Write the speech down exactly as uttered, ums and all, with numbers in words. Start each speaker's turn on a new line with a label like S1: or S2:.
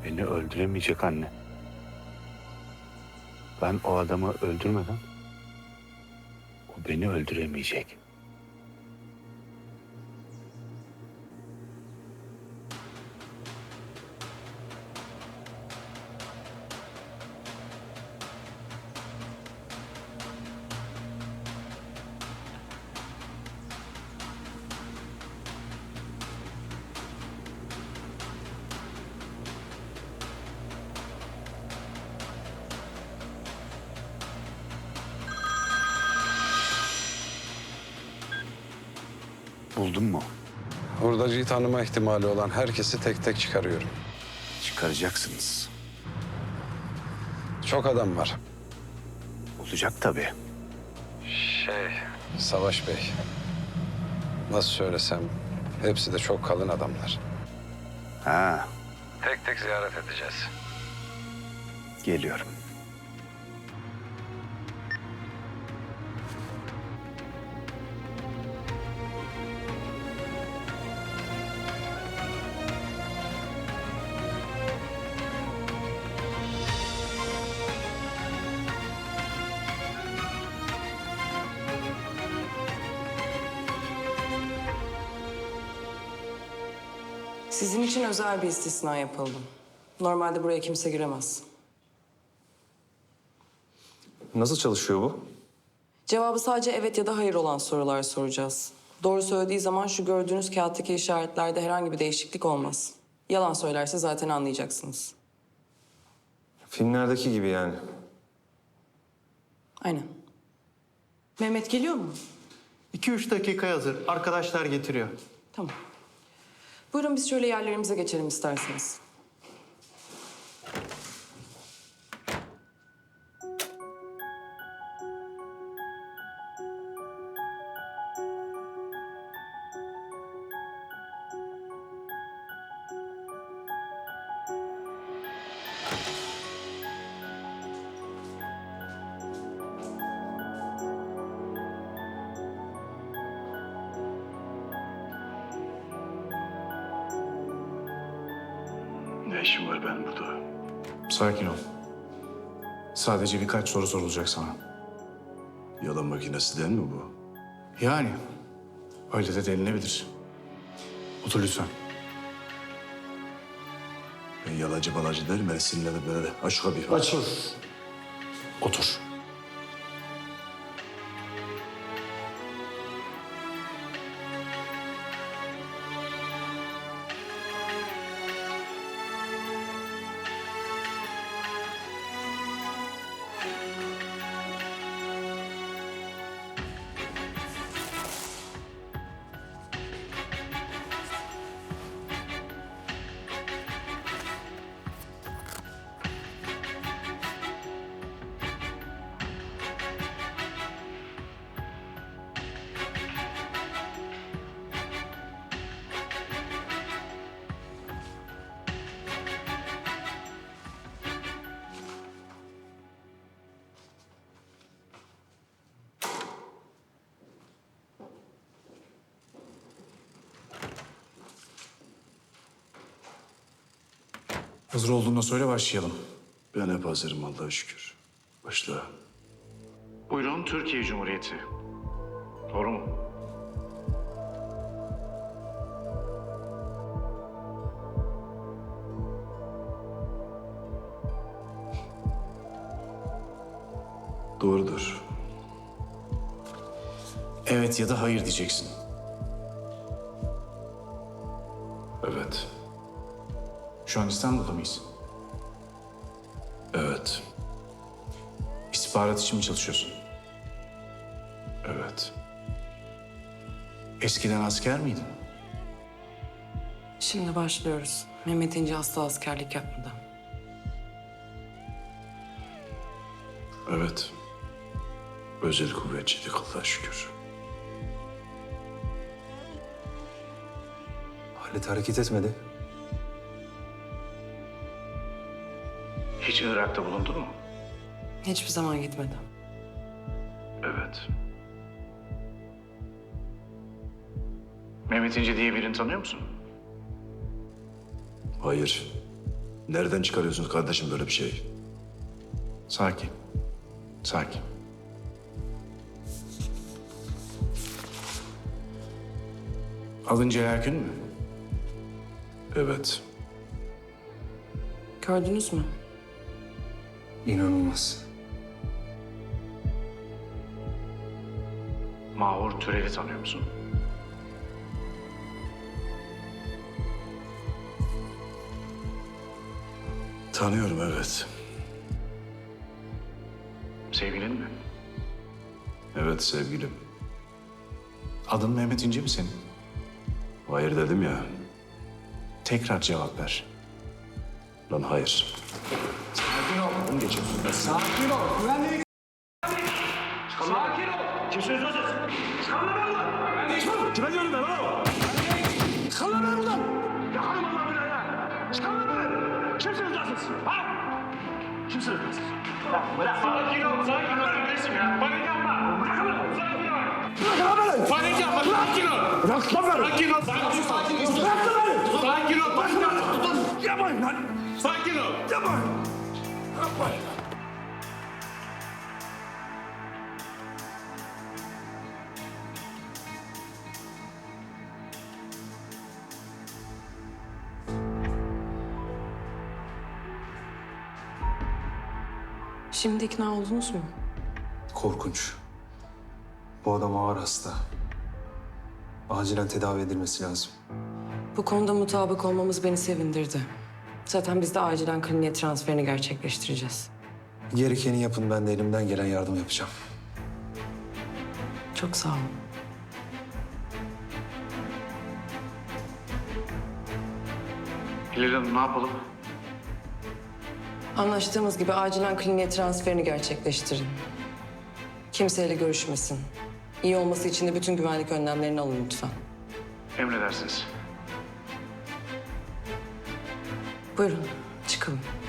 S1: beni öldüremeyecek anne. Ben o adamı öldürmeden o beni öldüremeyecek. Buldun mu?
S2: Hurdacıyı tanıma ihtimali olan herkesi tek tek çıkarıyorum.
S1: Çıkaracaksınız.
S2: Çok adam var.
S1: Olacak tabii.
S2: Şey... Savaş Bey. Nasıl söylesem, hepsi de çok kalın adamlar.
S1: Ha,
S2: Tek tek ziyaret edeceğiz.
S1: geliyorum.
S3: Sizin için özel bir istisna yapıldı. Normalde buraya kimse giremez.
S4: Nasıl çalışıyor bu?
S3: Cevabı sadece evet ya da hayır olan sorular soracağız. Doğru söylediği zaman şu gördüğünüz kağıttaki işaretlerde herhangi bir değişiklik olmaz. Yalan söylerse zaten anlayacaksınız.
S4: Filmlerdeki gibi yani.
S3: Aynen. Mehmet geliyor mu?
S5: İki üç dakika hazır. Arkadaşlar getiriyor.
S3: Tamam. Buyurun biz şöyle yerlerimize geçelim isterseniz.
S1: Ne işim var benim burada?
S6: Sakin ol. Sadece birkaç soru sorulacak sana.
S7: Yalan makinesi değil mi bu?
S6: Yani öyle de denilebilir. Otur lütfen.
S7: Ben yalancı balancı değilim. Beni sinirlenip böyle de. Aç şu kapıyı. Aç.
S6: Otur. Hazır olduğunda söyle başlayalım.
S7: Ben hep hazırım Allah'a şükür. Başla.
S6: Buyurun, Türkiye Cumhuriyeti. Doğru mu?
S7: Doğrudur.
S6: Evet ya da hayır diyeceksin.
S7: Evet.
S6: Şu an İstanbul'da mıyız?
S7: Evet.
S6: İstihbarat için mi çalışıyorsun?
S7: Evet.
S6: Eskiden asker miydin?
S3: Şimdi başlıyoruz. Mehmet İnce asla askerlik yapmadı.
S7: Evet. Özel kuvvetçiydik Allah'a şükür.
S4: Halit hareket etmedi.
S6: Hiç Irak'ta bulundun mu?
S3: Hiçbir zaman gitmedi.
S7: Evet.
S6: Mehmet İnce diye birini tanıyor musun?
S7: Hayır. Nereden çıkarıyorsunuz kardeşim böyle bir şey?
S6: Sakin. Sakin. Alınca Erkün mü?
S7: Evet.
S3: Gördünüz mü?
S4: İnanılmaz.
S6: Mahur Türel'i tanıyor musun?
S7: Tanıyorum evet.
S6: Sevgilin mi?
S7: Evet sevgilim.
S6: Adın Mehmet İnce mi senin?
S7: Hayır dedim ya.
S6: Tekrar cevap ver.
S7: Lan hayır.
S3: Şimdi ikna oldunuz mu?
S4: Korkunç. Bu adam ağır hasta. Acilen tedavi edilmesi lazım.
S3: Bu konuda mutabık olmamız beni sevindirdi. Zaten biz de acilen kliniğe transferini gerçekleştireceğiz.
S4: Gerekeni yapın, ben de elimden gelen yardım yapacağım.
S3: Çok sağ olun.
S6: Hilal Hanım ne yapalım?
S3: Anlaştığımız gibi acilen kliniğe transferini gerçekleştirin. Kimseyle görüşmesin. İyi olması için de bütün güvenlik önlemlerini alın lütfen.
S6: Emredersiniz.
S3: Buyurun, çıkalım.